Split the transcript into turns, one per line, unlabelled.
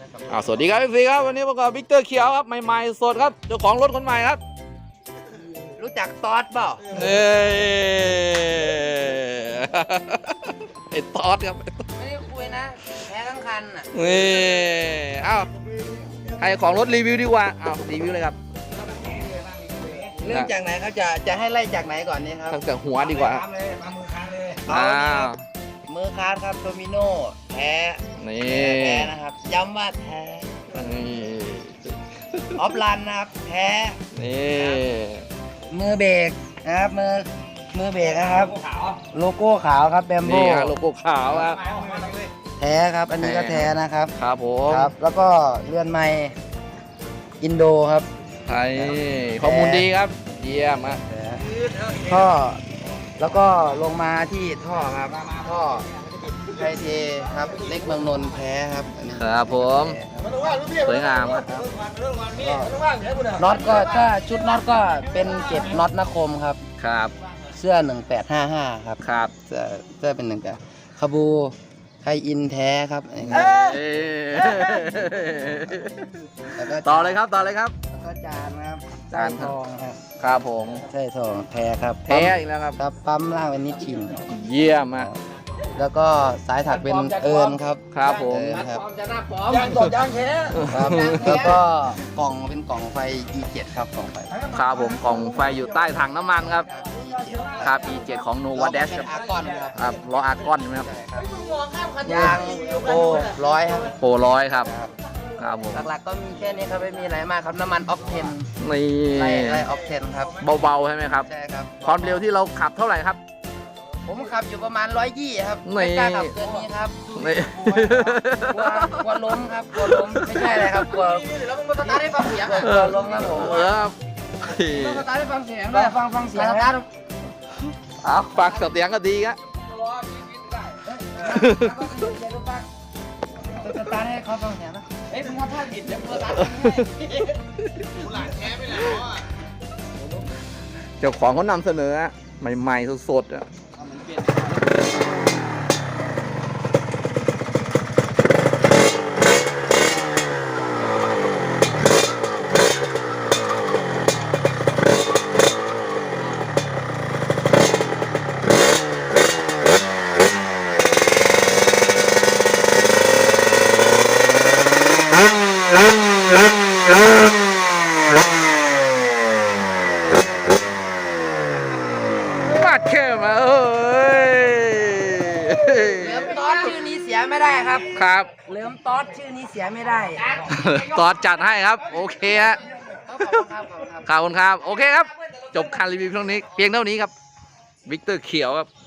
สวัสดีครับพี่ฟีครับวันนี้ประกอบวิกเตอร์เขียวครับใหม่ๆสดครับเจ้าของรถคนใหม่ครับ
รู้จักตอดเปล่า
ไอ้ตอดครับ
ไม่ได้คุยนะแพ้ทั้งคันอ่ะ
ใครของรถรีวิวดีกว่ารีวิวเลยครับ
เริ่มจากไหนครับจะให้ไล่จากไหนก่อนนี่ครับ
ตั้งแต่หัวดีกว่า
มือคาร์ดครับโดมิโน่แพ้นะครับย้ำว่าแพ้ออฟลันนะครับแพ้มือเบรกนะครับมือเบรกนะครับโลโก้ขาวครับแบมโบ้
โลโก้ขาวครับ
แท้ครับอันนี้ก็แท้นะครับ
ครับผม
ครับแล้วก็เลื่อนไมค์อินโดครับ
ไทยข้อมูลดีครับเยี่ยมครับ
ท่อแล้วก็ลงมาที่ท่อครับท่อไทยเทครับเล็กเมืองนนท์แพ้ครับ
ครับผมสวยงามครับ
น็อตก็ถ้าชุดน็อตก็เป็นเก็บน็อตนคมครับ
ครับ
เสื้อ1855ครับ
ครับ
เสื้อเป็น18คาบูไทยอินแท้ครับ
ต่อเลยครับแล้ว
ก็จานครับจานทองครับ
ครับผม
ใช่ทองแท้ครับ
แท้อีกแล้วครับ
ปั๊มล่างเป็นนิชชิน
เยี่ยมมาก
แล้วก็สายถักเป็นเอิญครับ
ครับผม
ครับ
ยางตดยางแท้
ครับแล้วก็กล่องเป็นกล่องไฟ E7 ครับกล่องไฟ
ครับผมกล่องไฟอยู่ใต้ถังน้ำมันครับครับ E7 ของ Nova Dash ครับล้ออาร์กอนใช่ไหมครับ
ยางโปร100ครับ
โปร100ครับครับผม
หลักๆก็มีแค่นี้ครับไม่มีอะไรมากครับน้ำมันออกเทน
นี่
ไล่ออกเทนครับ
เบาๆใช่ไหมครับ
ใช่ครับ
ความเร็วที่เราขับเท่าไหร่ครับ
ผมขับอยู่ประมาณ120ครับไม่กล้าขับเกินนี้ครับกลัวล้มครับกลัวล้มไม่ใช่อะไรครับกลัวสตาร์ทได้ฟังเสียงกลัวล้มครับผมสตาร์ทได้ฟังเสียงด้วยฟังเสียงสตาร์ท
ฟังเสียงก็ดีครับ
สตาร์ทให้เขาฟังเสียงนะมึงว่าถ้าผิดจะสตาร์ทกูหลานแท้ไปแล้ว
เจ้าของเขานำเสนอใหม่ๆสดๆ
ชื่อนี้เสียไม่ได้ครับ
ครับ
เริ่มตอดชื่อนี้เสียไม่ได้
ตอดจัดให้ครับโอเคฮะขอบคุณครับโอเคครับจบการรีวิวเพียงเท่านี้ครับวิกเตอร์เขียวครับ